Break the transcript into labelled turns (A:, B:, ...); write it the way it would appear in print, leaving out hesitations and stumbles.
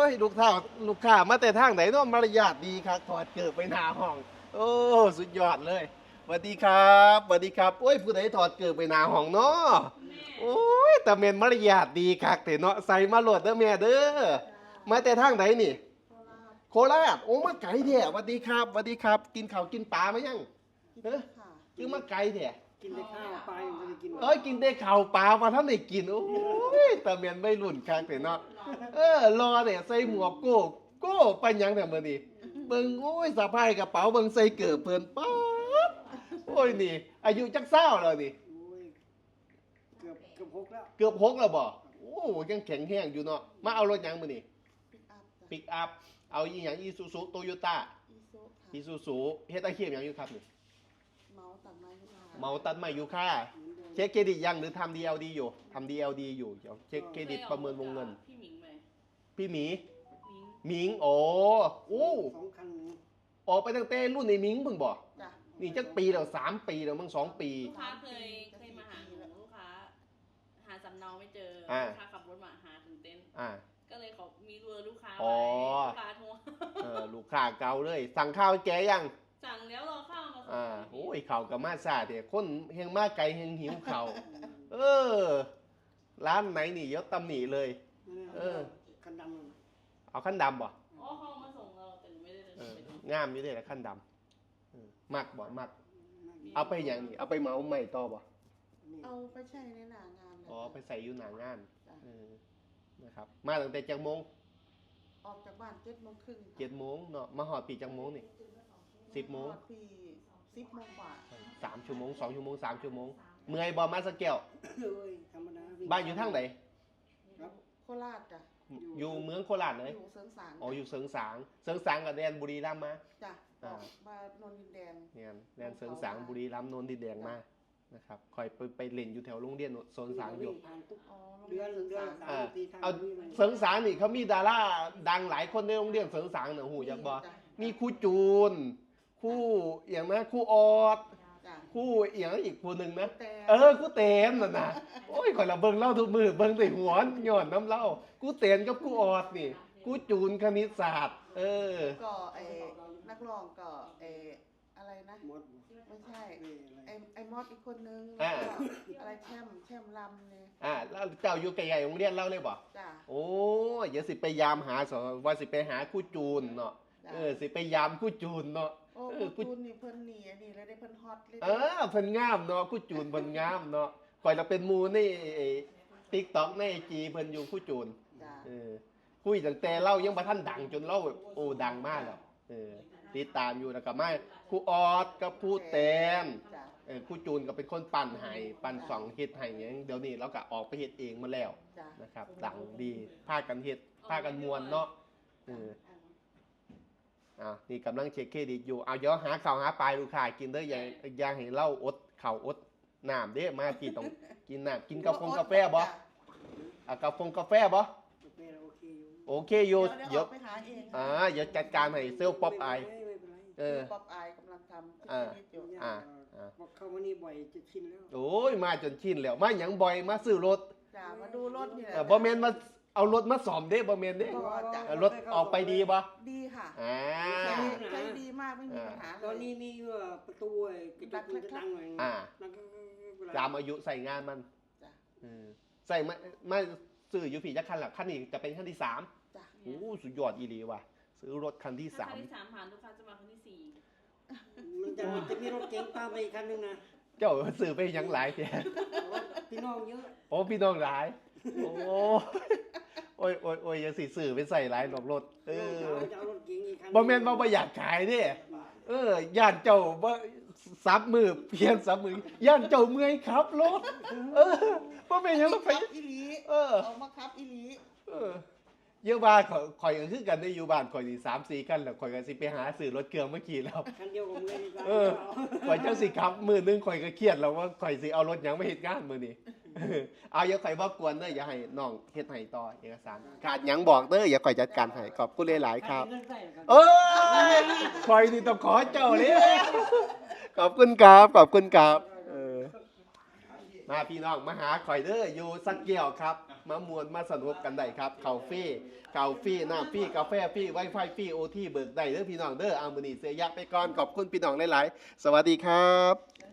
A: ยลูกค้ามาแต่ทางไหนเนาะมารยาทดีครับถอดเกิบไปหน้าห้องโอ้สุดยอดเลยสวัสดีครับสวัสดีครับโอ้ยผู้ใดถอดเกิบไปหน้าห้องเนาะโอ้ยแต่เมนมารยาทดีคักเนาะใส่มาโหลดเด้อแม่เด้อมาแต่ทางไหนนี่โคราชโอ้มาไกลแท้สวัสดีครับสวัสดีครับกินข้าวกินปลาไหมยังเฮ้ยคือมาไกลแท้
B: กินได้ข้าวปลายังไม่ได้กิน
A: กินได้ข้าวปลามาท่านได้กินโอ้ยแต่เมียนไม่รุ่นคักเนาะรอเนี่ยใส่หมวกโก้ไปยังแต่เมื่อนี้เบิ่งโอ้ยสะพายกระเป๋าเบิ่งใส่เกิบเพิ่นป๊าดโอ้ยนี่อายุจักเศร้าแล้วนี่
B: เกือบ6แล้ว
A: เกือบ6แล้วบ่โอ้ยังแข็งแรงอยู่เนาะมาเอารถยังมื้อนี้ปิกอัพเอาอีหยังอีซูซูโตโยต้าอีซูซูเฮ็ดอาชีพหยังอยู่ครับนี่เมาตัดไม้อยู่ค่ะเช็คเครดิตยังหรือทำ DLD อยู่ทำ DLD อยู่เดี๋ยวเช็คเครดิตประเมินวงเงินพี่หมิงโอ้
B: 2 คัน
A: ออกไปตั้งแต่รุ่นในมิงเพิ่งบอกนี่จักปีแล้ว3 ปีแล้วมั้ง2 ปี
C: ลูกค้าเคยมาหาหนูลูกค้าหาสำเนาไม่เจอลูกค้าขับรถมาหาถึงเต็นท์ก็เลยเขามีเบอร์ลูกค้าไว้ลูกค้าโทร
A: ลูกค้าเก่าเลยสั่งข้าวแกยัง
C: สั่งแล้วรอข้าวมา
A: โอ้ยข้าวกับมาซาเดี๋ยวคนเฮงมาไกลเฮงหิวข้าวร้านไหนนี่ยกตำหนิเลย
B: คันดำ
A: เอาขั้นดำบ่
C: เขามาส่งเราแต่ไม่ได้
A: งามอยู่เลยแหละขั้นดำมักบ่มักเอาไปอย่างนี้เอาไปเมาใหม่ต่อบ่
D: เอาไปใช้ในหน้างาน
A: ไปใส่อยู่หน้างานนะครับมาตั้งแต่จักโมง
D: ออกจากบ้าน7:30
A: 7:00 นเนาะมาหอดปีจักโมงนี่10:00 น
D: ปี10:00 นกว่า
A: 3 ชั่วโมง2 ชั่วโมง3 ชั่วโมงเมื่อยบ่มาสักแก้ว
B: ธรรมดา
A: บ้านอยู่ทางไหน
D: โคราชจ้ะ
A: อยู่เมืองโคราชเลย
D: อยู่เสริงสาง
A: อยู่เสริงสางกับแดนบุรีรัมย์มา
D: จ้ะมานนดินแดง
A: เนี่ยแดนเสริงสางบุรีรัมย์นนดินแดงมานะครับคอยไปเล่นอยู่แถวโรงเรียนโซนสางอยู่
B: เดือน
A: เอาเสริงสางนี่เขามีดาราดังหลายคนในโรงเรียนเสริงสางเนี่ยหูอยากบอกมีครูจูนครูอย่างนะครูออดครูอย่างอีกคนหนึ่งนะครูเต้นน่ะนะโอ้ยคอยเราเบิ่งเล่าทุกมือเบิ่งแต่หัวหย่อนน้ำเล่าครูเต้นกับครูออดนี่ครูจูนคณิตศาสตร์
D: ก็นักร้องก็อะไรนะไม่ใช่ไอ้มอดอีกคนนึงอะไรแช่มลำเนี่ย
A: แล้วเจ้าอยู่ไกลๆโรงเรียนเล่าเลยบ่
D: จ้ะ
A: โอ้ยอย่าสิไปยามหาว่าสิไปหาครูจูนเนาะสิไปยามครูจูนเนาะ
D: ครูจูนนี่เพิ่นหนีอันนี้แล้วได้เพิ่นฮอตเลย
A: เพิ่นงามเนาะครูจูนเพิ่นงามเนาะก่อยเราเป็นหมู่ในTikTok ใน IG เพิ่นอยู่ครูจูนคุยตั้งแต่เล่ายังบ่ทันดังจนเล่าโอ้ดังมากแล้วติดตามอยู่แล้วก็มาครูออดกับครูแตนครูจูนก็เป็นคนปั่นให้ปั่น2เฮ็ดให้หยังเดี๋ยวนี้เราก็ออกไปเฮ็ดเองมาแล้วนะครับดังดีพากันเฮ็ดพากันม่วนเนาะนี่กำลังเช็คเครดิตอยู่เอาเดี๋ยวหาข้าวหาปลาลูกค้ากินเด้ออย่าให้เล่าอดข้าวอดน้ำเด้มากินต้องกินน้ำกินกาแฟบ่กาแฟบ่โอเคอยู่
D: เดี๋ยวไปหาเอง
A: เดี๋ยวจัดการให้เซลล์ป๊อปอาย
D: ป๊อปอายกำลังทำ
B: เข้ามานี่บ่อยจะชินแล้ว
A: โอ้ยมาจนชินแล้วมาหยังบ่อยมาซื้อรถ
D: มาดูรถนี่แหละ
A: บ่แม่นมาเอารถมาซ่อมเด้บ่แม่นเด้รถออกไปดีบ่
D: ดีค่ะใช้ดีมากไม่มีปัญหา
B: ตอนนี้มีประตูกระจกมันจะดังหน่อย
A: ตามอายุใส่งานมันใส่มาซื้ออยู่พี่จักคันละคันนี้จะเป็นคันที่3โอ้สุดยอดอีหลีว่ะซื้อรถคันที่3
C: คันที่3ผ่านลูกค้าจะมาคันที่4
B: มันจะมีรถเก๋งตามไปอีกคันนึงนะ
A: เจ้าซื้อไปยังหลายแท้
B: พี่น้องเยอะ
A: พี่น้องหลายโอ้ยยังสิซื้อไปใส่หลายรถบ่แม่นบ่อยากขายเด้ย่านเจ้าบ่ซับมือเปลี่ยนซับมือย่านเจ้าเมื่อยขับรถบ่แม่นยังไป
D: อีหลีเอามาขับอีหลี
A: เยอะว่าข่อยก็คือกันได้อยู่บ้านข่อยนี่3-4คันแล้วข่อยก็สิไปหาซื้อรถเครื่องมาขี่แล้ว
B: คันเดียวกับมื้อนี้
A: ข่อยจังสิขับมื้อนึงข่อยก็เครียดแล้วว่าข่อยสิเอารถหยังมาเฮ็ดงานมื้อนี้เอาอย่าข่อยบ่กวนเด้ออย่าให้น้องเฮ็ดให้ต่อเอกสารขาดหยังบอกเด้ออย่าข่อยจัดการให้ขอบคุณหลายๆครับข่อยนี่ต้องขอเจ้าเลยขอบคุณครับมาพี่น้องมาหาข่อยเด้ออยู่สักแก้วครับมามวนมาสนุกกันได้ครับข้าวฟรีน้ำฟรีกาแฟฟรีไวไฟฟรีโอทีเบิกได้เด้อพี่น้องเด้อมื้อนี้เสียยักษ์ไปก่อนขอบคุณพี่น้องหลายๆสวัสดีครับ